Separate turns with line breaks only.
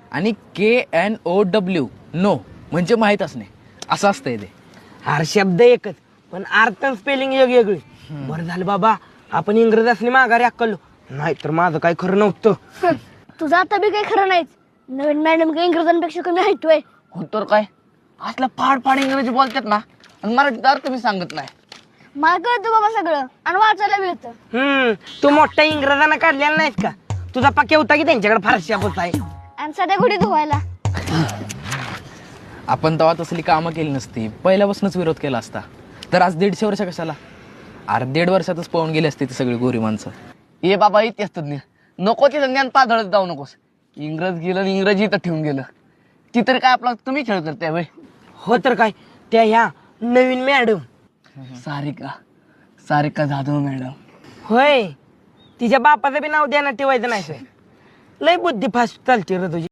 आणि KNOW no म्हणजे माहीत असणे असं असतंय ते.
हर शब्द एकच पण अर्थ स्पेलिंग वेगळी. बरं झालं बाबा आपण इंग्रज असली माघारी अक्कलो, नाहीतर माझं काय खरं नव्हतं.
तुझं आता बी काही खरं नाहीच. नवीन मॅडम काही इंग्रजांपेक्षा कमी ऐकतोय.
हो तर काय, असलं फाड फाड इंग्रजी बोलतात ना, आणि मराठीत अर्थ मी सांगत नाही.
मला कळतं बाबा सगळं आणि वाचायला मिळतं.
तू मोठ्या इंग्रजांना काढलेला नाहीस का? तुझा पक्या होता की त्यांच्याकडे फारशी आपण आहे.
आणि सध्या घोडी धुवायला.
आपण तेव्हा तसली कामं केली नसती, पहिल्यापासूनच विरोध केला असता तर आज 150 वर्ष कशाला. अरे 1.5 वर्षातच पळून गेली असती ती सगळी गोरी माणसं.
ये बाबा इतिहास तज्ञ, नको ते ज्ञान पाधळत जाऊ नकोस. इंग्रज गेलं आणि इंग्रजी इथं ठेवून गेलं, ती तरी काय आपला तुम्ही खेळ करताय वय.
हो तर काय, त्या ह्या नवीन मॅडम
सारिका जाधव मॅडम.
होय, तिच्या बापाचं बी नाव द्यानं ठेवायचं नाही. लय बुद्धी फास्ट चालते रे तुझी.